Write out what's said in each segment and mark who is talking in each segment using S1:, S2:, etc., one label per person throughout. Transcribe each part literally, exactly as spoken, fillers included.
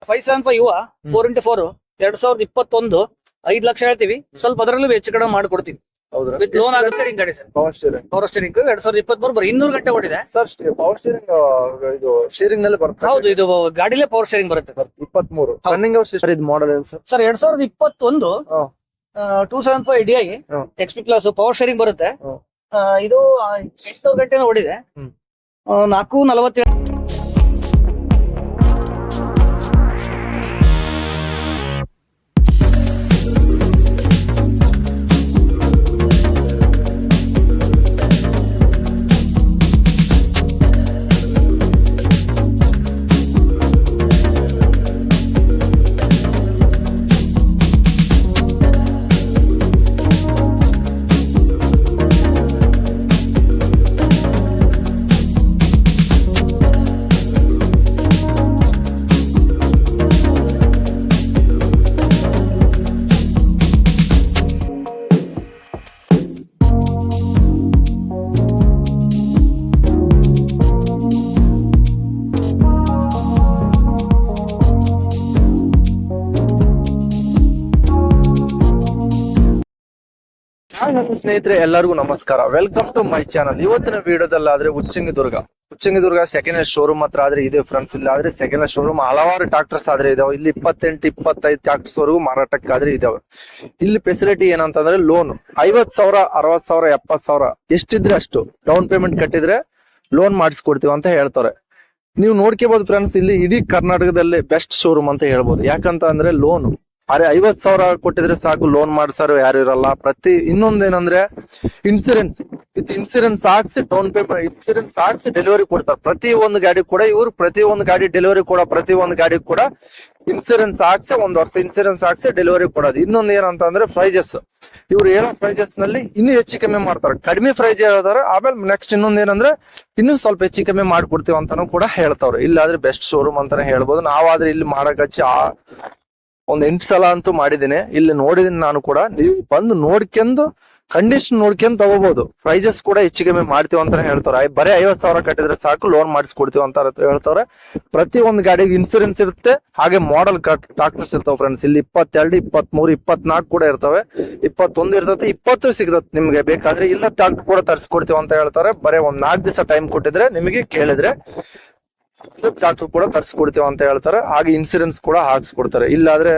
S1: Five seven five ಯುವ four into four ಎರಡ್ ಸಾವಿರದ ಇಪ್ಪತ್ತೊಂದು ಐದ್ ಲಕ್ಷ ಹೇಳ್ತೀವಿ. ಸ್ವಲ್ಪ ಅದರಲ್ಲೂ ಹೆಚ್ಚು ಕಡಿಮೆ ಮಾಡ್ಕೊಡ್ತೀವಿ.
S2: ಹೌದ್ರಾ?
S1: ವಿತ್ ಲೋನ್ ಆಗುತ್ತೆ ಗಾಡಿ sir.
S2: Power steering
S1: power steering ಎರಡ್ ಸಾವಿರದ ಇಪ್ಪತ್ತ್ ಮೂರು ಬರೀ ಇನ್ನೂರು ಗಂಟೆ ಓಡಿದೆ
S2: ಸರ್. ಪವರ್ ಸ್ಟೀರಿಂಗ್ ಇದು ಸ್ಟೀರಿಂಗ್ ನಲ್ಲಿ ಬರುತ್ತೆ.
S1: ಹೌದು, ಇದು ಗಾಡಿಲೇ ಪವರ್ ಸ್ಟೇರಿಂಗ್ ಬರುತ್ತೆ.
S2: ಇಪ್ಪತ್ತ್ ಮೂರು ರನ್ನಿಂಗ್ ಅವರ್ಸ್ ಸರ್. ಇದು ಮಾಡಲ್ ಏನು ಸರ್?
S1: ಸರ್ ಎರಡ್ ಸಾವಿರದ ಇಪ್ಪತ್ತೊಂದು two seven five D I
S2: hmm.
S1: X P class power steering ಬರುತ್ತೆ.
S2: ಹ್ಮ್.
S1: ಆ, ಇದು ಎಂಟು ಗಂಟೆ ಓಡಿದೆ.
S2: ಹ್ಮ್.
S1: ಆ, ನಾಲ್ಕು ನಲವತ್ತೇಳು.
S2: ಸ್ನೇಹಿತರೆ ಎಲ್ಲರಿಗೂ ನಮಸ್ಕಾರ. Welcome to my channel. ಇವತ್ತಿನ ವಿಡಿಯೋದಲ್ಲಾದ್ರೆ Uchangidurga Uchangidurga second hand showroom ಹತ್ರ ಆದ್ರೆ ಇದೆ ಫ್ರೆಂಡ್ಸ್. ಇಲ್ಲ ಆದ್ರೆ ಸೆಕೆಂಡ್ ಹ್ಯಾಂಡ್ ಶೋರೂಮ್ ಹಲವಾರು ಟ್ರಾಕ್ಟರ್ಸ್ ಆದ್ರೆ ಇದಾವೆ. ಇಲ್ಲಿ ಇಪ್ಪತ್ತೆಂಟು ಇಪ್ಪತ್ತೈದು ಟ್ರಾಕ್ಟರ್ಸ್ ವರೆಗೂ ಮಾರಾಟಕ್ಕಾದ್ರೆ ಇದಾವೆ. ಇಲ್ಲಿ ಫೆಸಿಲಿಟಿ ಏನಂತಂದ್ರೆ ಲೋನ್ ಐವತ್ ಸಾವಿರ ಅರವತ್ ಸಾವಿರ ಎಪ್ಪತ್ ಸಾವಿರ ಎಷ್ಟಿದ್ರೆ ಅಷ್ಟು ಡೌನ್ ಪೇಮೆಂಟ್ ಕಟ್ಟಿದ್ರೆ ಲೋನ್ ಮಾಡಿಸ್ಕೊಡ್ತೀವಿ ಅಂತ ಹೇಳ್ತಾರೆ. ನೀವು ನೋಡ್ಕೋಬಹುದು ಫ್ರೆಂಡ್ಸ್, ಇಲ್ಲಿ ಇಡೀ ಕರ್ನಾಟಕದಲ್ಲಿ ಬೆಸ್ಟ್ ಶೋರೂಮ್ ಅಂತ ಹೇಳ್ಬೋದು. ಯಾಕಂತ ಅಂದ್ರೆ ಲೋನ್ ಅರೆ ಐವತ್ ಸಾವಿರ ಕೊಟ್ಟಿದ್ರೆ ಸಾಕು, ಲೋನ್ ಮಾಡ್ಸಾರು ಯಾರು ಇರಲ್ಲ. ಪ್ರತಿ ಇನ್ನೊಂದೇನಂದ್ರೆ ಇನ್ಸೂರೆನ್ಸ್ ವಿತ್ ಇನ್ಸೂರೆನ್ಸ್ ಹಾಕ್ಸಿ ಡೌನ್ ಪೇಮೆಂಟ್ ಇನ್ಸೂರೆನ್ಸ್ ಹಾಕ್ಸಿ ಡೆಲಿವರಿ ಕೊಡ್ತಾರೆ. ಪ್ರತಿ ಒಂದು ಗಾಡಿ ಕೂಡ ಇವ್ರು ಪ್ರತಿ ಒಂದು ಗಾಡಿ ಡೆಲಿವರಿ ಕೊಡೋ ಪ್ರತಿ ಒಂದು ಗಾಡಿ ಕೂಡ ಇನ್ಸೂರೆನ್ಸ್ ಹಾಕ್ಸಿ ಒಂದ್ ವರ್ಷ ಇನ್ಸೂರೆನ್ಸ್ ಹಾಕ್ಸಿ ಡೆಲಿವರಿ ಕೊಡೋದು. ಇನ್ನೊಂದು ಏನಂತ ಅಂದ್ರೆ ಪ್ರೈಜಸ್, ಇವ್ರು ಹೇಳೋ ಪ್ರೈಜಸ್ ನಲ್ಲಿ ಇನ್ನೂ ಹೆಚ್ಚು ಕಮ್ಮಿ ಮಾಡ್ತಾರೆ. ಕಡಿಮೆ ಪ್ರೈಸ್ ಹೇಳ್ತಾರೆ. ಆಮೇಲೆ ನೆಕ್ಸ್ಟ್ ಇನ್ನೊಂದ್ ಏನಂದ್ರೆ ಇನ್ನೂ ಸ್ವಲ್ಪ ಹೆಚ್ಚು ಕಮ್ಮಿ ಮಾಡ್ಕೊಡ್ತೀವಿ ಅಂತಾನು ಕೂಡ ಹೇಳ್ತಾವ್ರೆ. ಇಲ್ಲಾದ್ರೆ ಬೆಸ್ಟ್ ಶೋರೂಮ್ ಅಂತಾನೆ ಹೇಳ್ಬೋದು. ನಾವಾದ್ರೆ ಇಲ್ಲಿ ಮಾಡಕ್ ಹಚ್ಚಿ ಆ ಒಂದ್ ಎಂಟು ಸಲ ಅಂತೂ ಮಾಡಿದ್ದೀನಿ. ಇಲ್ಲಿ ನೋಡಿದೀನಿ ನಾನು ಕೂಡ. ನೀವು ಬಂದು ನೋಡ್ಕೊಂಡು ಕಂಡೀಷನ್ ನೋಡ್ಕೊಂಡ್ ತಗೋಬಹುದು. ಪ್ರೈಸಸ್ ಕೂಡ ಹೆಚ್ಚು ಕಮ್ಮಿ ಮಾಡ್ತೀವಿ ಅಂತ ಹೇಳ್ತಾರೆ. ಬರೀ ಐವತ್ ಸಾವಿರ ಕಟ್ಟಿದ್ರೆ ಸಾಕು ಲೋನ್ ಮಾಡಿಸ್ಕೊಡ್ತೀವಿ ಅಂತ ಹೇಳ್ತಾರೆ. ಪ್ರತಿ ಒಂದು ಗಾಡಿಗೆ ಇನ್ಸೂರೆನ್ಸ್ ಇರುತ್ತೆ. ಹಾಗೆ ಮಾಡೆಲ್ ಟ್ರಾಕ್ಟರ್ಸ್ ಇರ್ತಾವೆ ಫ್ರೆಂಡ್ಸ್. ಇಲ್ಲಿ ಇಪ್ಪತ್ತೆರಡು ಇಪ್ಪತ್ತ್ ಮೂರು ಇಪ್ಪತ್ನಾಲ್ಕು ಕೂಡ ಇರ್ತವೆ. ಇಪ್ಪತ್ತೊಂದು ಇರ್ತದೆ, ಇಪ್ಪತ್ತು ಸಿಗ್ತದೆ ನಿಮ್ಗೆ ಬೇಕಾದ್ರೆ. ಇಲ್ಲ ಟ್ರಾಕ್ಟರ್ ಕೂಡ ತರಿಸ್ಕೊಡ್ತೀವಿ ಅಂತ ಹೇಳ್ತಾರೆ. ಬರೀ ಒಂದ್ ನಾಲ್ಕು ದಿವಸ ಟೈಮ್ ಕೊಟ್ಟಿದ್ರೆ ನಿಮಗೆ ಕೇಳಿದ್ರೆ ಟ್ರಾಕ್ಟರ್ ಕೂಡ ತರಿಸ್ಕೊಡ್ತೀವಿ ಅಂತ ಹೇಳ್ತಾರೆ. ಹಾಗೆ ಇನ್ಸೂರೆನ್ಸ್ ಕೂಡ ಹಾಕ್ಸ್ಕೊಡ್ತಾರೆ. ಇಲ್ಲಾದ್ರೆ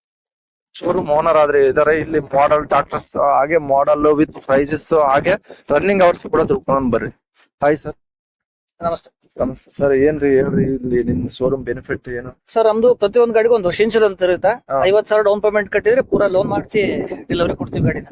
S2: ಶೋರೂಮ್ ಓನರ್ ಆದ್ರೆ ಇದಾರೆ. ಇಲ್ಲಿ ಮಾಡೆಲ್ ಟ್ರಾಕ್ಟರ್ಸ್ ಹಾಗೆ ಮಾಡೆಲ್ ವಿತ್ ಪ್ರೈಸಸ್ ಹಾಗೆ ರನ್ನಿಂಗ್ ಅವರ್ಸ್ ಕೂಡ ತಿಳ್ಕೊಂಡ್ ಬರ್ರಿ. Hi sir.
S1: ನಮಸ್ತೆ.
S2: ನಮಸ್ತೆ ಸರ್. ಏನ್ರಿ ಹೇಳ್ರಿ, ಇಲ್ಲಿ ನಿಮ್ ಶೋರೂಮ್ ಬೆನಿಫಿಟ್ ಏನು?
S1: ಸರ್ ನಮ್ದು ಪ್ರತಿಯೊಂದು ಗಾಡಿಗೆ ಒಂದು ವರ್ಷ ಇನ್ಶೂರೆನ್ಸ್ ಇರುತ್ತೆ. ಐವತ್ ಸಾವಿರ ಡೌನ್ ಪೇಮೆಂಟ್ ಕಟ್ಟಿದ್ರೆ ಪೂರಾ ಲೋನ್ ಮಾಡಿಸಿ ಡೆಲಿವರಿ ಕೊಡ್ತೀವಿ ಗಾಡಿನ.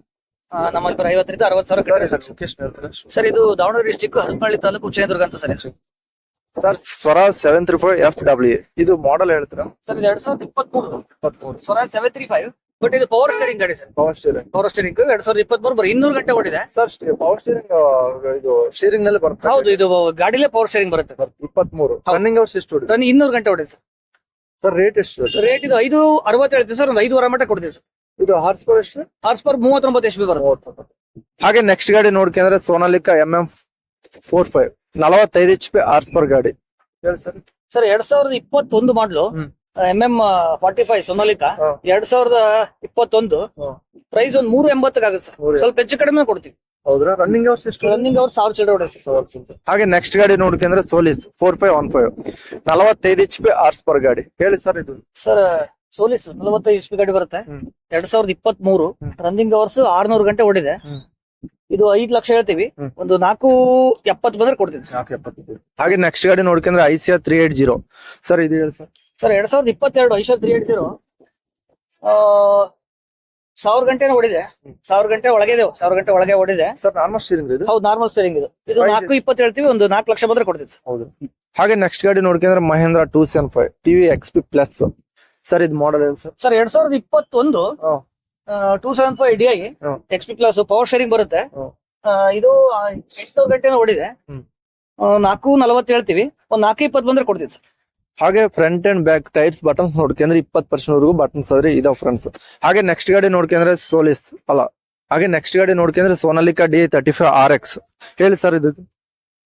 S1: ಆ, ನಮ್ಮಲ್ಲಿ ಬರೀ ಐವತ್ತರಿಂದ ಅರವತ್ ಸಾವಿರ ಕಟ್ಟಿದ್ರೆ ಸಾಕು.
S2: ಲೊಕೇಶನ್ ಹೇಳ್ತಾರೆ
S1: ಸರ್ ಇದು ದಾವಣಗೆರೆ ಡಿಸ್ಟಿಕ್ ಹರಪನಹಳ್ಳಿ ತಾಲೂಕು ಉಚ್ಚಂಗಿದುರ್ಗ ಅಂತ sir.
S2: Sir. Swaraj seven three five F W ಇದು ಮಾಡೆಲ್ ಹೇಳ್ತೀರಾ?
S1: ಸರ್ ಇದು ಎರಡ್ ಸಾವಿರದ ಇಪ್ಪತ್ಮೂರು
S2: ಇಪ್ಪತ್ಮೂರು
S1: Swaraj seven three five but ಇದು ಪವರ್ ಸ್ಟೇರಿಂಗ್ ಗಾಡಿ sir.
S2: Power steering
S1: power steering ಎರಡ್ ಸಾವಿರದ ಇಪ್ಪತ್ಮೂರು ಬರೀ ಇನ್ನೂರು ಗಂಟೆ ಓಡಿದೆ
S2: ಸರ್. ಪವರ್ ಸ್ಟೀರಿಂಗ್ ಇದು ಸ್ಟೀರಿಂಗ್ ನಲ್ಲಿ ಬರುತ್ತೆ.
S1: ಹೌದು, ಇದು ಗಾಡಿಲೇ ಪವರ್ ಸ್ಟೇರಿಂಗ್ ಬರುತ್ತೆ.
S2: ಇಪ್ಪತ್ಮೂರು ರನ್ನಿಂಗ್ ಅವರ್ಸ್ ಎಷ್ಟು ಹೊಡಿದೆ
S1: ರನ್ ಇನ್ನೂರು ಗಂಟೆ ಓಡಿದೆ ಸರ್.
S2: ಸರ್. ರೇಟ್ ಎಷ್ಟು?
S1: ರೇಟ್ ಇದು ಐದು ಅರವತ್ತು ಹೇಳ್ತೀವಿ ಸರ್. ಒಂದು ಐದುವರೆ ಮಟ್ಟ ಕೊಡ್ತೀವಿ ಸರ್.
S2: ಇದು ಹಾರ್ಸ್ ಪವರ್ ಎಷ್ಟು?
S1: ಹಾರ್ಸ್ ಪವರ್ ಮೂವತ್ತೊಂಬತ್ತು ಎಚ್ ಬಿ ಬರುತ್ತೆ.
S2: ಹಾಗೆ ನೆಕ್ಸ್ಟ್ ಗಾಡಿ ನೋಡ್ಕೊಂಡ್ರೆ Sonalika M M four five ನಲವತ್ತೈದು ಎಚ್ ಪಿ ಹಾರ್ಸ್ ಪವರ್ ಗಾಡಿ ಹೇಳಿ ಸರ್.
S1: ಸರ್ ಎರಡ್ ಸಾವಿರದ ಇಪ್ಪತ್ತೊಂದು ಮಾಡ್ಲು M M forty five Sonalika ಎರಡ್ ಸಾವಿರದ ಇಪ್ಪತ್ತೊಂದು ಪ್ರೈಸ್ ಒಂದ್ ಮೂರು ಎಂಬತ್ತಕ್ಕಾಗುತ್ತೆ ಸರ್. ಸ್ವಲ್ಪ ಹೆಚ್ಚು ಕಡಿಮೆ ಕೊಡ್ತೀವಿ.
S2: ಹೌದ್ರಾ? ರನ್ನಿಂಗ್ ಅವರ್ಸ್ ಎಷ್ಟು?
S1: ರನ್ನಿಂಗ್ ಅವ್ರು ಸಾವಿರ ಚಿಲ್ಲರೆ ಹೊಡೆ.
S2: ಹಾಗೆ ನೆಕ್ಸ್ಟ್ ಗಾಡಿ ನೋಡ್ಕೊಂಡ್ರೆ Solis four five one five ನಲವತ್ತೈದು ಎಚ್ ಪಿ ಹಾರ್ಸ್ ಪವರ್ ಗಾಡಿ ಹೇಳಿ ಸರ್. ಇದು
S1: ಸರ್ ಸೋಲಿಸ್ ನಲವತ್ತೈದು ಎಚ್ ಪಿ ಗಾಡಿ ಬರುತ್ತೆ. ಎರಡ್ ಸಾವಿರದ ಇಪ್ಪತ್ತ್ ಮೂರು ರನ್ನಿಂಗ್ ಅವರ್ಸ್ ಆರ್ನೂರು ಗಂಟೆ ಓಡಿದೆ. ಇದು ಐದ್ ಲಕ್ಷ ಹೇಳ್ತೀವಿ. ಒಂದು ನಾಲ್ಕು ಎಪ್ಪತ್ತು ಬಂದ್ರೆ ಕೊಡ್ತೀನಿ ಸರ್.
S2: ಹಾಗೆ ನೆಕ್ಸ್ಟ್ ಗಾಡಿ ನೋಡ್ಕೊಂಡ್ರೆ Eicher three eight zero sir. ಇದು ಹೇಳಿ ಸರ್.
S1: ಸರ್ ಎರಡ್ ಸಾವಿರದ ಇಪ್ಪತ್ತೆರಡು ಐಸಿಯಾ ತ್ರೀ ಏಟ್ ಜೀರೋ ಸಾವಿರ ಗಂಟೆ ಓಡಿದೆ. ಸಾವಿರ ಗಂಟೆ ಒಳಗೆ ಇದೆ. ಸಾವಿರ ಗಂಟೆ ಒಳಗೆ ಓಡಿದೆ
S2: ಸರ್. ನಾರ್ಮಲ್ ಸ್ಟೀರಿಂಗ್ ಇದು?
S1: ಹೌದು, ನಾರ್ಮಲ್ ಸ್ಟೀರಿಂಗ್ ಇದು. ಇದು ನಾಲ್ಕು ಇಪ್ಪತ್ತು ಹೇಳ್ತೀವಿ. ಒಂದು ನಾಲ್ಕು ಲಕ್ಷ ಬಂದ್ರೆ ಕೊಡ್ತೀನಿ ಸರ್.
S2: ಹೌದು. ಹಾಗೆ ನೆಕ್ಸ್ಟ್ ಗಾಡಿ ನೋಡ್ಕೊಂಡ್ರೆ Mahindra two seven five TV X P plus sir. ಇದು ಮಾಡೆಲ್ ಏನು ಸರ್?
S1: ಸರ್ ಎರಡ್ ಸಾವಿರದ ಇಪ್ಪತ್ತೊಂದು two seven five D I X P class power steering ಬರುತ್ತೆ. ಆ, ಇದು ಎಂಟು ಗಂಟೆ ಓಡಿದೆ. ನಾಲ್ಕು ನಲವತ್ತು ಹೇಳ್ತೀವಿ. ಒಂದ್ ನಾಲ್ಕು ಇಪ್ಪತ್ತು ಬಂದ್ರೆ ಕೊಡ್ತೀನಿ ಸರ್.
S2: ಹಾಗೆ front and back tyres buttons ನೋಡ್ಕೊಂಡ್ರೆ ಇಪ್ಪತ್ತು ಪರ್ಸೆಂಟ್ ವರೆಗೂ ಬಟನ್ಸ್ ಆದ್ರೆ ಇದಾವ ಫ್ರೆಂಡ್ಸ್. ಹಾಗೆ ನೆಕ್ಸ್ಟ್ ಗಾಡಿ ನೋಡ್ಕೊಂಡ್ರೆ ಸೋಲಿಸ್ ಅಲ್ಲ ಹಾಗೆ ನೆಕ್ಸ್ಟ್ ಗಾಡಿ ನೋಡ್ಕೊಂಡ್ರೆ Sonalika D thirty five R X ಹೇಳಿ ಸರ್. ಇದು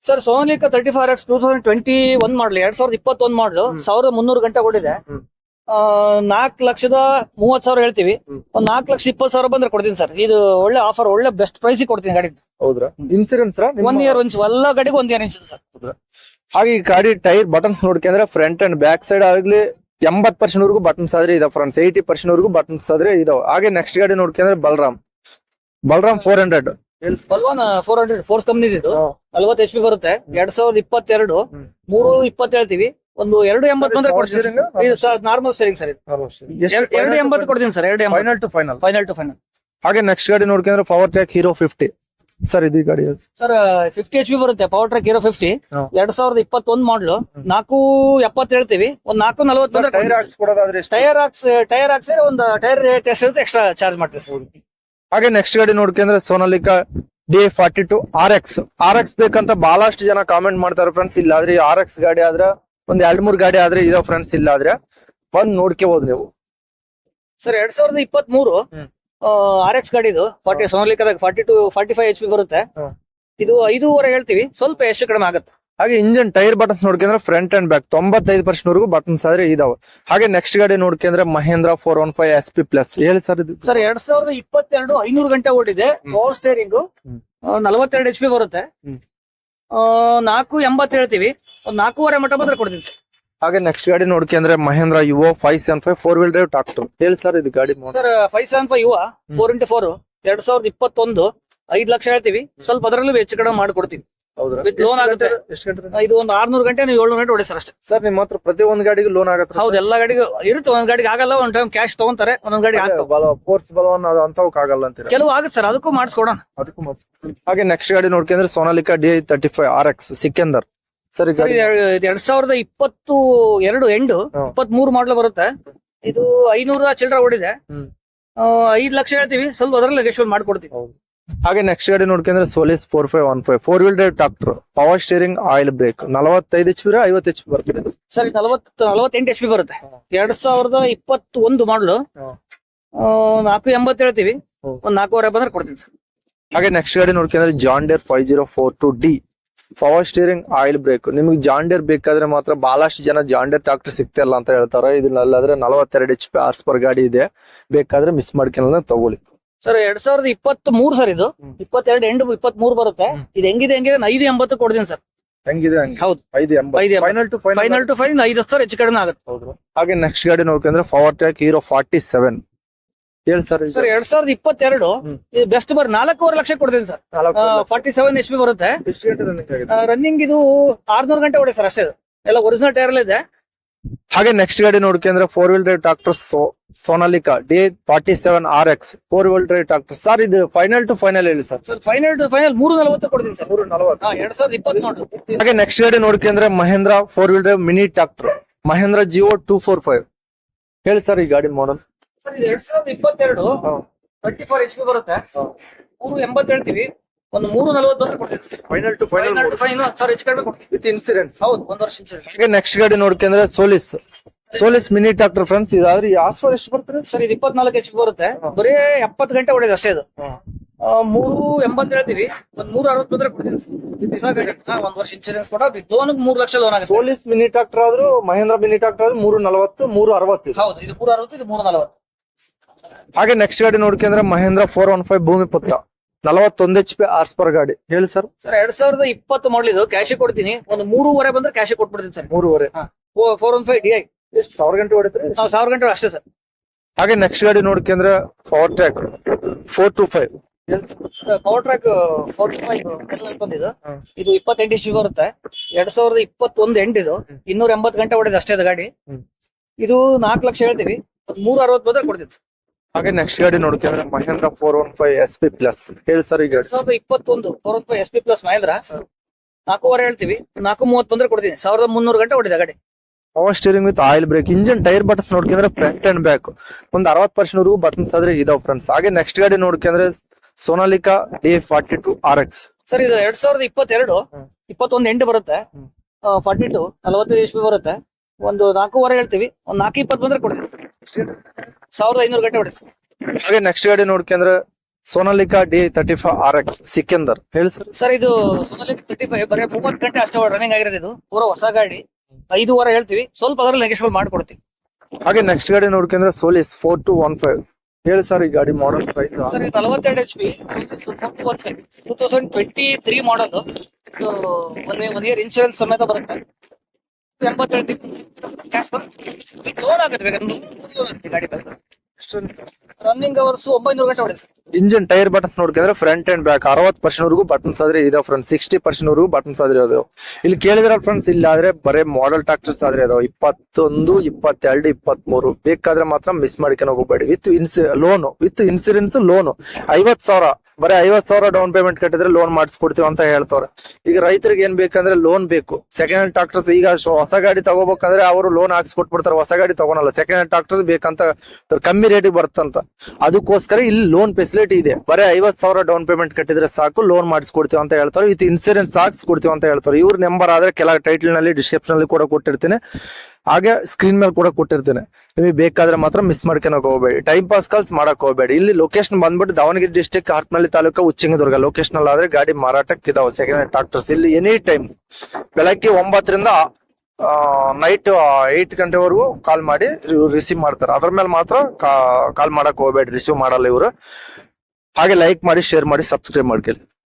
S1: sir Sonalika thirty five X two thousand twenty one model ಎರಡ್ ಸಾವಿರದ ಇಪ್ಪತ್ತೊಂದು ಮಾಡಲು ಸಾವಿರದ ಮುನ್ನೂರು ಗಂಟೆ ಓಡಿದೆ. ನಾಲ್ಕು ಲಕ್ಷದ ಮೂವತ್ ಸಾವಿರ ಹೇಳ್ತೀವಿ, ಒಂದ್ ನಾಲ್ಕು ಲಕ್ಷ ಇಪ್ಪತ್ತು ಸಾವಿರ ಬಂದ್ರೆ ಕೊಡ್ತೀನಿ ಸರ್. ಇದು ಒಳ್ಳೆ ಆಫರ್, ಒಳ್ಳೆ ಬೆಸ್ಟ್ ಪ್ರೈಸ್ ಕೊಡ್ತೀನಿ ಗಾಡಿ.
S2: ಹೌದ್ರಾ? ಇನ್ಸೂರೆನ್ಸ್
S1: ಒನ್ ಇಯರ್ ಇಂಚ್ ಎಲ್ಲ ಗಾಡಿಗೂ ಒಂದ್ ಇಯರ್ ಇಂಚ್ ಸರ್.
S2: ಹಾಗೆ ಈ ಗಾಡಿ ಟೈರ್ ಬಟನ್ಸ್ ನೋಡ್ಕೊಂಡ್ರೆ ಫ್ರಂಟ್ ಅಂಡ್ ಬ್ಯಾಕ್ ಸೈಡ್ ಆಗ್ಲಿ ಎಂಬತ್ ಪರ್ಸೆಂಟ್ ವರೆಗೂ ಬಟನ್ಸ್ ಆದ್ರೆ ಇದಾವೆ ಫ್ರೆಂಡ್ಸ್, ಏಯ್ಟಿ ಪರ್ಸೆಂಟ್ ವರೆಗೂ ಬಟನ್ಸ್ ಆದ್ರೆ ಇದಾವೆ. ಹಾಗೆ ನೆಕ್ಸ್ಟ್ ಗಾಡಿ ನೋಡ್ಕೊಂಡ್ರೆ Balram Balram four hundred
S1: Balwan four hundred Force company ಇದು ನಲ್ವತ್ತು ಎಚ್ ಪಿ ಬರುತ್ತೆ. ಎರಡ್ ಸಾವಿರದ ಇಪ್ಪತ್ತೆರಡು ಮೂರು ಇಪ್ಪತ್ತು ಹೇಳ್ತೀವಿ, ಒಂದು ಎರಡು ಎಂಬತ್ತು ಬಂದ್ರೆ ಕೊಡ್ತೀನಿ. ನಾರ್ಮಲ್ ಸ್ಟೇರಿಂಗ್ ಸರ್, ಇದು ಎರಡು ಎಂಬತ್ತು ಕೊಡ್ತೀನಿ ಸರ್. ಎರಡು
S2: final to final
S1: final to final.
S2: ಹಾಗೆ ನೆಕ್ಸ್ಟ್ ಗಾಡಿ ನೋಡ್ಕೊಂಡ್ರೆ power track hero fifty sir. ಇದು ಗಾಡಿ
S1: ಸರ್ ಫಿಫ್ಟಿ ಎಚ್ ಪಿ ಬರುತ್ತೆ, ಪವರ್ ಟ್ರ್ಯಾಕ್ ಹೀರೋ ಫಿಫ್ಟಿ ಎರಡ್ ಸಾವಿರದ ಇಪ್ಪತ್ತೊಂದು ಮಾಡ್ಲು. ನಾಲ್ಕು ಎಪ್ಪತ್ತು ಹೇಳ್ತೀವಿ, ಒಂದ್ ನಾಲ್ಕು ನಲ್ವತ್ತು ಬಂದ್ರೆ
S2: ಟೈರ್ ಹಾಕ್ಸ್ ಕೊಡೋದಾದ್ರೆ
S1: ಟೈರ್ ಹಾಕ್ಸ್ ಟೈರ್ ಹಾಕ್ಸಿ ಒಂದು ಟೈರ್ ಟೆಸ್ಟ್ ಇರುತ್ತೆ, ಎಕ್ಸ್ಟ್ರಾ ಚಾರ್ಜ್ ಮಾಡ್ತೀವಿ ಸರ್.
S2: ಹಾಗೆ ನೆಕ್ಸ್ಟ್ ಗಾಡಿ ನೋಡ್ಕೊಂಡ್ರೆ Sonalika D forty two R X R X ಬೇಕಂತ ಬಹಳಷ್ಟು ಜನ ಕಾಮೆಂಟ್ ಮಾಡ್ತಾರೆ ಫ್ರೆಂಡ್ಸ್. ಇಲ್ಲ ಆದ್ರೆ ಆರ್ ಎಕ್ಸ್ ಗಾಡಿ ಆದ್ರೆ ಒಂದ್ ಎರಡ್ ಮೂರ್ ಗಾಡಿ ಆದ್ರೆ ಇದಾವ ಫ್ರೆಂಡ್ಸ್. ಇಲ್ಲ ಆದ್ರೆ ಬಂದ್ ನೋಡ್ಕೋಬಹುದು ನೀವು
S1: ಸರ್. ಎರಡ್ ಸಾವಿರದ ಇಪ್ಪತ್ತ್ ಮೂರು ಆರ್ ಎಕ್ಸ್ ಗಾಡಿ ಇದು ಫಾರ್ಟಿ ಸೋನಾಲಿಕಾದಾಗ forty two forty five H P ಬರುತ್ತೆ. ಇದು ಐದೂವರೆ ಹೇಳ್ತೀವಿ, ಸ್ವಲ್ಪ ಎಷ್ಟು ಕಡಿಮೆ ಆಗುತ್ತೆ.
S2: ಹಾಗೆ ಇಂಜಿನ್ ಟೈರ್ ಬಟನ್ಸ್ ನೋಡ್ಕೊಂಡ್ರೆ ಫ್ರಂಟ್ ಅಂಡ್ ಬ್ಯಾಕ್ ತೊಂಬತ್ತೈದು ಪರ್ಸೆಂಟ್ ವರೆಗೂ ಬಟನ್ಸ್ ಆದ್ರೆ ಇದಾವೆ. ಹಾಗೆ ನೆಕ್ಸ್ಟ್ ಗಾಡಿ ನೋಡ್ಕೊಂಡ್ರೆ Mahindra four one five S P plus. ಹೇಳಿ ಸರ್. ಇದು
S1: ಸರ್ ಎರಡ್ ಸಾವಿರದ ಇಪ್ಪತ್ತೆರಡು ಐನೂರು ಗಂಟೆ ಓಡಿದೆ, ಪವರ್ ಸ್ಟೇರಿಂಗ್ ನಲವತ್ತೆರಡು ಎಚ್ ಪಿ ಬರುತ್ತೆ. ನಾಲ್ಕು ಎಂಬತ್ತು ಹೇಳ್ತೀವಿ, ಒಂದ್ ನಾಲ್ಕೂವರೆ ಮಟ್ಟ ಬಂದ್ರೆ ಕೊಡ್ತೀನಿ ಸರ್.
S2: ಹಾಗೆ ನೆಕ್ಸ್ಟ್ ಗಾಡಿ ನೋಡ್ಕೊಂಡ್ರೆ Mahindra Yuvo five seven five four wheel drive tractor. ಹೇಳಿ ಸರ್. ಇದು ಗಾಡಿ
S1: ಸರ್ ಫೈವ್ ಸೆವೆನ್ ಫೈವ್ ಯುವ ಫೋರ್ ಇಂಟು ಫೋರ್ ಎರಡ್ ಸಾವಿರದ ಇಪ್ಪತ್ತೊಂದು ಐದ್ ಲಕ್ಷ ಹೇಳ್ತೀವಿ, ಸ್ವಲ್ಪ ಅದರಲ್ಲೂ ಹೆಚ್ಚು ಕಡಿಮೆ ಮಾಡ್ಕೊಡ್ತೀವಿ. ಲೋನ್ ಆಗುತ್ತೆ. ಇದು ಒಂದು ಆರ್ನೂರು ಗಂಟೆ ನೀವು ಏಳ್ನೂರು ಗಂಟೆ ಹೊಡಿ ಸರ್ ಅಷ್ಟೇ.
S2: ಸರ್ ನಿಮ್ಮ ಹತ್ರ ಪ್ರತಿ ಒಂದ್ ಗಾಡಿಗೂ ಲೋನ್ ಆಗುತ್ತೆ?
S1: ಹೌದು, ಎಲ್ಲಾ ಗಾಡಿಗೂ ಇರುತ್ತೆ. ಒಂದ್ ಗಾಡಿಗೆ ಆಗಲ್ಲ, ಒಂದ್ ಟೈಮ್ ಕ್ಯಾಶ್ ತಗೊಂತಾರೆ, ಒಂದೊಂದ್ ಗಾಡಿ
S2: ಫೋರ್ಸ್ ಬಲವನ್ ಅಂತವಕ್ ಆಗಲ್ಲ ಅಂತೀರ?
S1: ಕೆಲವು ಆಗುತ್ತೆ ಸರ್, ಅದಕ್ಕೂ ಮಾಡಿಸ್ಕೊಡೋಣ.
S2: ಅದಕ್ಕೂ ಮಾಡಿಸ್. ಹಾಗೆ ನೆಕ್ಸ್ಟ್ ಗಾಡಿ ನೋಡ್ಕೊಂಡ್ರೆ Sonalika D thirty five R X Sikander. Sir
S1: ಎರಡ್ ಸಾವಿರದ ಇಪ್ಪತ್ತು ಎರಡು ಎಂಡು ಇಪ್ಪತ್ ಮೂರು ಮಾಡಲು ಬರುತ್ತೆ. ಇದು ಐನೂರ ಚಿಲ್ಲರ ಓಡಿದೆ, ಐದ್ ಲಕ್ಷ ಹೇಳ್ತೀವಿ, ಸ್ವಲ್ಪ ಅದರಲ್ಲಿ ಗೆಸ್ಟ್ ಮಾಡ್ಕೊಡ್ತೀವಿ.
S2: ಹಾಗೆ ನೆಕ್ಸ್ಟ್ ಗಾಡಿ ನೋಡ್ಕೊಂಡ್ರೆ Solis four five one five four wheel drive tractor power steering oil brake ನಲವತ್ತೈದು ಎಚ್ ಪಿ ಐವತ್ತು ಎಚ್ ಪಿ ಬರ್ತದೆ
S1: ಸರ್. ನಲವತ್ತು ನಲವತ್ತೆಂಟು ಎಚ್ ಪಿ ಬರುತ್ತೆ. ಎರಡ್ ಸಾವಿರದ ಇಪ್ಪತ್ತು ಒಂದು ಮಾಡಲು ನಾಲ್ಕು ಎಂಬತ್ತು ಹೇಳ್ತೀವಿ, ಒಂದ್ ನಾಲ್ಕೂವರೆ ಬಂದ್ರೆ ಕೊಡ್ತೀನಿ ಸರ್.
S2: ಹಾಗೆ ನೆಕ್ಸ್ಟ್ ಗಾಡಿ ನೋಡ್ಕೊಂಡ್ರೆ John Deere five zero four two D power steering oil brake. ನಿಮ್ಗೆ ಜಾನ್ ಡೇರ್ ಬೇಕಾದ್ರೆ ಮಾತ್ರ ಬಹಳಷ್ಟು ಜನ ಜಾನ್ ಡೇರ್ ಟ್ರಾಕ್ಟರ್ ಸಿಗ್ತಿಲ್ಲ ಅಂತ ಹೇಳ್ತಾರೆ. ಇದನ್ನಲ್ಲಾದ್ರೆ ನಲವತ್ತೆರಡು ಎಚ್ ಪಿ ಆರ್ಸ್ ಪರ್ ಗಾಡಿ ಇದೆ, ಬೇಕಾದ್ರೆ ಮಿಸ್ ಮಾಡ್ಕೊಳ್ಳೋಣ ತಗೊಳ್ಳಿ
S1: ಸರ್. ಎರಡ್ ಸಾವಿರದ ಇಪ್ಪತ್ತ್ ಮೂರು ಸರ್, ಇದು ಇಪ್ಪತ್ತೆರಡು ಎಂಟು ಇಪ್ಪತ್ತ್ ಮೂರು ಬರುತ್ತೆ. ಇದು ಹೆಂಗಿದೆ ಹೆಂಗಿದೆ ಐದು ಎಂಬತ್ತು ಕೊಡ್ತೀನಿ ಸರ್.
S2: ಹೆಂಗಿದೆ? ಹೌದು, ಐದು ಎಂಬತ್ತು final to
S1: final to final ಐದು ಸಾವಿರ ಹೆಚ್ಚು ಕಡಿಮೆ ಆಗುತ್ತೆ.
S2: ಹಾಗೆ ನೆಕ್ಸ್ಟ್ ಗಾಡಿ ನೋಡ್ಕೊಂಡ್ರೆ power track hero forty seven. ಹೇಳಿ ಸರ್.
S1: ಸರ್ ಎರಡ್ ಸಾವಿರದ ಇಪ್ಪತ್ತೆರಡು ಇದು ಬೆಸ್ಟ್ ಬರ್ ನಾಲ್ಕೂವರೆ ಲಕ್ಷ ಕೊಡ್ತೀನಿ sir. Forty seven H P ಬರುತ್ತೆ. ರನ್ನಿಂಗ್ ಇದು ಆರ್ನೂರು ಗಂಟೆ ಹೊಡೆ ಸರ್ ಅಷ್ಟೇ, ಎಲ್ಲ ಒರಿಜಿನಲ್ ಟೈರ್ ಇದೆ.
S2: ಹಾಗೆ ನೆಕ್ಸ್ಟ್ ಗಾಡಿ ನೋಡ್ಕೊಂಡ್ರೆ four wheel drive tractor Sonalika D forty seven R X four wheel drive tractor. Sir ಇದು ಫೈನಲ್ ಟು ಫೈನಲ್ ಹೇಳಿ sir.
S1: Sir final to final ಮೂರು ನಲವತ್ತು ಕೊಡ್ತೀನಿ ಸರ್. ಮೂರು ನಲವತ್ತು ಎರಡ್ ಸಾವಿರದ ಇಪ್ಪತ್ತು ನೋಡ್ರಿ.
S2: ಹಾಗೆ ನೆಕ್ಸ್ಟ್ ಗಾಡಿ ನೋಡ್ಕೊಂಡ್ರೆ Mahindra four wheel drive mini tractor Mahindra Jivo two four five. ಹೇಳಿ ಸರ್ ಈ ಗಾಡಿ ಮಾಡಲ್.
S1: ಸರ್ ಇದು ಎರಡ್ ಸಾವಿರದ ಇಪ್ಪತ್ತೆರಡು ಟ್ವೆಂಟಿ ಫೋರ್ ಎಚ್ ಪಿ ಬರುತ್ತೆ. ಮೂರು ಎಂಬತ್ತು ಹೇಳ್ತೀವಿ, ಒಂದು ಮೂರು ನಲವತ್ತು ಬಂದ್ರೆ ಕೊಡ್ತೀನಿ. ಫೈನಲ್ ಟು ಫೈನಲ್ ಫೈನಲ್ ಹತ್ತು ಸಾವಿರ ಹೆಚ್ಚು ಕಡಿಮೆ ಕೊಡ್ತೀವಿ ವಿತ್ ಇನ್ಸೂರೆನ್ಸ್. ಹೌದು, ಒಂದು ವರ್ಷ ಇನ್ಸೂರೆನ್ಸ್.
S2: ಹಾಗೆ ನೆಕ್ಸ್ಟ್ ಗಾಡಿ ನೋಡ್ಕೊಂಡ್ರೆ Solis Solis mini tractor friends. ಇದಾದ್ರೆ ಆಸ್ಪರ್ ಎಷ್ಟು ಬರ್ತದೆ
S1: ಸರ್? ಇದು ಇಪ್ಪತ್ನಾಲ್ಕು ಎಚ್ ಪಿ ಬರುತ್ತೆ, ಬರೀ ಎಪ್ಪತ್ತು ಗಂಟೆ ಹೊಡೆದು ಅಷ್ಟೇ. ಇದು ಮೂರು ಎಂಬತ್ತು ಹೇಳ್ತೀವಿ, ಒಂದ್ ಮೂರು ಅರವತ್ತು ಬಂದ್ರೆ ಕೊಡ್ತೀನಿ ಸರ್. ಒಂದ್ ವರ್ಷ ಇನ್ಸೂರೆನ್ಸ್ ಕೊಡ ಲೋನ್ ಮೂರು ಲಕ್ಷ ಲೋನ್ ಆಗುತ್ತೆ.
S2: ಸೋಲಿಸ್ ಮಿನಿ ಟ್ರಾಕ್ಟರ್ ಆದ್ರೂ ಮಹೇಂದ್ರ ಮಿನಿ ಟ್ರಾಕ್ಟರ್ ಆದ್ರೂ ಮೂರು ನಲವತ್ತು ಮೂರು ಅರವತ್ತು.
S1: ಹೌದು, ಇದು ಮೂರು ಅರವತ್ತು, ಇದು ಮೂರು ನಲವತ್ತು.
S2: ಹಾಗೆ ನೆಕ್ಸ್ಟ್ ಗಾಡಿ ನೋಡ್ಕೊಂಡ್ರೆ ಮಹೇಂದ್ರ ಫೋರ್ ಒನ್ ಫೈವ್ ಭೂಮಿ ಪುತ್ರ ನಲವತ್ತೊಂದು ಎಚ್ ಪಿ ಆರ್ಸ್ ಪರ್ ಗಾಡಿ. ಹೇಳಿ ಸರ್.
S1: ಸರ್ ಎರಡ್ ಸಾವಿರದ ಇಪ್ಪತ್ತು ಮಾಡಲಿದ್ದು ಕ್ಯಾಶ್ ಕೊಡ್ತೀನಿ, ಒಂದು ಮೂರುವರೆ ಬಂದ್ರೆ ಕ್ಯಾಶ್ ಕೊಟ್ಬಿಡ್ತೀನಿ ಸರ್.
S2: ಮೂರುವರೆ
S1: four one five D I
S2: ಎಷ್ಟು ಸಾವಿರ ಗಂಟೆ ಹೊಡಿತಾರೆ?
S1: ಸಾವಿರ ಗಂಟೆ ಅಷ್ಟೇ ಸರ್.
S2: ಹಾಗೆ ನೆಕ್ಸ್ಟ್ ಗಾಡಿ ನೋಡ್ಕೊಂಡ್ರೆ power track four two five
S1: power track four two five ಬಂದಿದ್ದು. ಇದು ಇಪ್ಪತ್ತೆಂಟು ಎಚ್ ಪಿ ಬರುತ್ತೆ. ಎರಡ್ ಸಾವಿರದ ಇಪ್ಪತ್ತೊಂದು ಎಂಟು ಇದು ಇನ್ನೂರ ಎಂಬತ್ತು ಗಂಟೆ ಹೊಡೆದ ಅಷ್ಟೇ ಅದು ಗಾಡಿ. ಇದು ನಾಲ್ಕು ಲಕ್ಷ ಹೇಳ್ತೀವಿ, ಮೂರು ಅರವತ್ತು ಬಂದ್ರೆ ಕೊಡ್ತೀವಿ ಸರ್.
S2: ಹಾಗೆ ನೆಕ್ಸ್ಟ್ ಗಾಡಿ ನೋಡ್ಕೊಂಡ್ರೆ Mahindra four one five S P plus. ಹೇಳಿ ಸರ್ ಈಗ.
S1: ಎರಡ್ ಸಾವಿರದ ಇಪ್ಪತ್ತೊಂದು four one five S P plus Mahindra ನಾಲ್ಕೂವರೆ ಹೇಳ್ತೀವಿ, ನಾಲ್ಕು ಮೂವತ್ತು ಬಂದ್ರೆ ಕೊಡ್ತೀನಿ. ಸಾವಿರದ ಮುನ್ನೂರು ಗಂಟೆ ಹೊಡಿದೆ ಗಾಡಿ.
S2: Power steering with oil brake. Engine tyre buttons ನೋಡ್ಕೊಂಡ್ರೆ ಫ್ರಂಟ್ ಅಂಡ್ ಬ್ಯಾಕ್ ಒಂದ್ ಅರವತ್ತು ಪರ್ಸೆಂಟ್ ವರೆಗೂ ಬಟನ್ಸ್ ಆದ್ರೆ ಇದಾವ್ ಫ್ರೆಂಡ್ಸ್. ಹಾಗೆ ನೆಕ್ಸ್ಟ್ ಗಾಡಿ ನೋಡ್ಕೊಂಡ್ರೆ Sonalika D forty two R X.
S1: Sir ಇದು ಎರಡ್ ಸಾವಿರದ ಇಪ್ಪತ್ತೆರಡು ಇಪ್ಪತ್ತೊಂದು ಎಂಟು ಬರುತ್ತೆ, ಫಾರ್ಟಿ ಟು ನಲವತ್ತೈದು ಎಚ್ ಪಿ ಬರುತ್ತೆ. ಒಂದು ನಾಲ್ಕೂವರೆ ಹೇಳ್ತೀವಿ, ಒಂದ್ ನಾಲ್ಕು ಇಪ್ಪತ್ತು ಬಂದ್ರೆ ಕೊಡ್ತೀವಿ. ಸಾವಿರದ ಐನೂರು ಗಂಟೆ ಹೊಡಿಸಿ.
S2: ಹಾಗೆ ನೆಕ್ಸ್ಟ್ ಗಾಡಿ ನೋಡ್ಕೊಂಡ್ರೆ Sonalika D thirty five R X Sikander ಹೇಳಿ ಸರ್.
S1: ಸರ್ ಇದು ಸೋನಾಲಿಕಾ ತರ್ಟಿ ಫೈವ್ ಬರೀ ಮೂವತ್ತು ಗಂಟೆ ಅಷ್ಟೇ ರನ್ನಿಂಗ್ ಆಗಿರೋದು. ಇದು ಪೂರ ಹೊಸ ಗಾಡಿ, ಐದು ವಾರ ಹೇಳ್ತೀವಿ, ಸ್ವಲ್ಪ ಅದರಲ್ಲಿ ನೆಗೆಶ್ಬಲ್ ಮಾಡ್ಕೊಡ್ತೀವಿ.
S2: ಹಾಗೆ ನೆಕ್ಸ್ಟ್ ಗಾಡಿ ನೋಡ್ಕೊಂಡ್ರೆ Solis four two one five ಹೇಳಿ ಸರ್ ಈ ಗಾಡಿ ಮಾಡಲ್ ಪ್ರೈಸ್.
S1: ಸರ್ ಇದು ನಲವತ್ತೆರಡು H P two thousand twenty three model. ಇದು ಒನ್ ಒನ್ ಇಯರ್ ಇನ್ಶೂರೆನ್ಸ್ ಸಮೇತ ಬರುತ್ತೆ. ಎಂಬತ್ತೆರಡು ಕ್ಯಾಶ್ ಲೋನ್ ಆಗುತ್ತೆ, ಬೇಕಾದ್ರೆ ಲೋನ್ ಆಗುತ್ತೆ ಗಾಡಿ ಬಗ್ಗೆ. ರನ್ನಿಂಗ್ ಅವರ್ಸ್ ಒಂಬೈನೂರು ಗಂಟೆ ಹೊಡೆ ಸರ್.
S2: ಇಂಜಿನ್ ಟೈರ್ ಬಟನ್ಸ್ ನೋಡ್ಕೊಂಡ್ರೆ ಫ್ರಂಟ್ ಅಂಡ್ ಬ್ಯಾಕ್ ಅರವತ್ತು ಪರ್ಸೆಂಟ್ ವರೆಗೂ ಬಟನ್ಸ್ ಆದ್ರೆ ಇದಾವೆ ಫ್ರೆಂಡ್ಸ್. ಸಿಕ್ಸ್ಟಿ ಪರ್ಸೆಂಟ್ ವರೆಗೂ ಬಟನ್ಸ್ ಆದ್ರೆ ಇದಾವೆ. ಇಲ್ಲಿ ಕೇಳಿದ್ರ ಫ್ರೆಂಡ್ಸ್, ಇಲ್ಲಿ ಆದ್ರೆ ಬರೇ ಮಾಡೆಲ್ ಟ್ರಾಕ್ಟರ್ಸ್ ಆದ್ರೆ ಇದಾವೆ ಇಪ್ಪತ್ತೊಂದು ಇಪ್ಪತ್ತೆರಡು ಇಪ್ಪತ್ತ್ ಮೂರು. ಬೇಕಾದ್ರೆ ಮಾತ್ರ ಮಿಸ್ ಮಾಡ್ಕೊಂಡು ಹೋಗಬೇಡಿ. With ins loan with insurance loan ಐವತ್ ಸಾವಿರ ಬರೀ ಐವತ್ ಸಾವಿರ ಡೌನ್ ಪೇಮೆಂಟ್ ಕಟ್ಟಿದ್ರೆ ಲೋನ್ ಮಾಡಿಸ್ಕೊಡ್ತೀವಿ ಅಂತ ಹೇಳ್ತಾರೆ. ಈಗ ರೈತರಿಗೆ ಏನ್ ಬೇಕಂದ್ರೆ ಲೋನ್ ಬೇಕು. ಸೆಕೆಂಡ್ ಹ್ಯಾಂಡ್ ಟ್ರಾಕ್ಟರ್ಸ್ ಈಗ ಹೊಸ ಗಾಡಿ ತಗೋಬೇಕಂದ್ರೆ ಅವರು ಲೋನ್ ಹಾಕ್ಸ್ಕೊಟ್ಬಿಡ್ತಾರೆ, ಹೊಸ ಗಾಡಿ ತಗೊಳಲ್ಲ. ಸೆಕೆಂಡ್ ಹ್ಯಾಂಡ್ ಟ್ರಾಕ್ಟರ್ಸ್ ಬೇಕಂತ ಕಮ್ಮಿ ರೇಟಿಗೆ ಬರ್ತಂತ, ಅದಕ್ಕೋಸ್ಕರ ಇಲ್ಲಿ ಲೋನ್ ಫೆಸಿಲಿಟಿ ಇದೆ. ಬರೀ ಐವತ್ ಸಾವಿರ ಡೌನ್ ಪೇಮೆಂಟ್ ಕಟ್ಟಿದ್ರೆ ಸಾಕು, ಲೋನ್ ಮಾಡಿಸ್ಕೊಡ್ತೀವಿ ಅಂತ ಹೇಳ್ತಾರೆ. ವಿತ್ ಇನ್ಸೂರೆನ್ಸ್ ಹಾಕ್ಸ್ಕೊಡ್ತೀವಿ ಅಂತ ಹೇಳ್ತಾರೆ. ಇವ್ರ ನಂಬರ್ ಆದ್ರೆ ಕೆಲ ಟೈಟಲ್ ನಲ್ಲಿ ಡಿಸ್ಕ್ರಿಪ್ಷನ್ ಅಲ್ಲಿ ಕೂಡ ಕೊಟ್ಟಿರ್ತೀನಿ, ಹಾಗೆ ಸ್ಕ್ರೀನ್ ಮೇಲೆ ಕೂಡ ಕೊಟ್ಟಿರ್ತೇನೆ. ನಿಮಗೆ ಬೇಕಾದ್ರೆ ಮಾತ್ರ ಮಿಸ್ ಮಾಡ್ಕೊಳಕ್ ಹೋಗಬೇಡಿ, ಟೈಮ್ ಪಾಸ್ ಕಾಲ್ಸ್ ಮಾಡಕ್ ಹೋಗಬೇಡಿ. ಇಲ್ಲಿ ಲೊಕೇಶನ್ ಬಂದ್ಬಿಟ್ಟು ದಾವಣಗೆರೆ ಡಿಸ್ಟಿಕ್ ಹರಪನಹಳ್ಳಿ ತಾಲೂಕು ಉಚ್ಚಂಗಿದುರ್ಗ ಲೊಕೇಶನ್ ಅಲ್ಲಿ ಆದ್ರೆ ಗಾಡಿ ಮಾರಾಟಕ್ಕೆ ಇದಾವೆ ಸೆಕೆಂಡ್ ಹ್ಯಾಂಡ್ ಟ್ರಾಕ್ಟರ್ಸ್. ಇಲ್ಲಿ ಎನಿ ಟೈಮ್ ಬೆಳಗ್ಗೆ ಒಂಬತ್ತರಿಂದ ನೈಟ್ ಏಟ್ ಗಂಟೆವರೆಗೂ ಕಾಲ್ ಮಾಡಿ ರಿಸೀವ್ ಮಾಡ್ತಾರೆ. ಅದ್ರ ಮೇಲೆ ಮಾತ್ರ ಕಾಲ್ ಮಾಡಕ್ ಹೋಗಬೇಡಿ, ರಿಸೀವ್ ಮಾಡಲ್ಲ ಇವರು. ಹಾಗೆ ಲೈಕ್ ಮಾಡಿ, ಶೇರ್ ಮಾಡಿ, ಸಬ್ಸ್ಕ್ರೈಬ್ ಮಾಡ್ಕೊಳ್ಳಿ.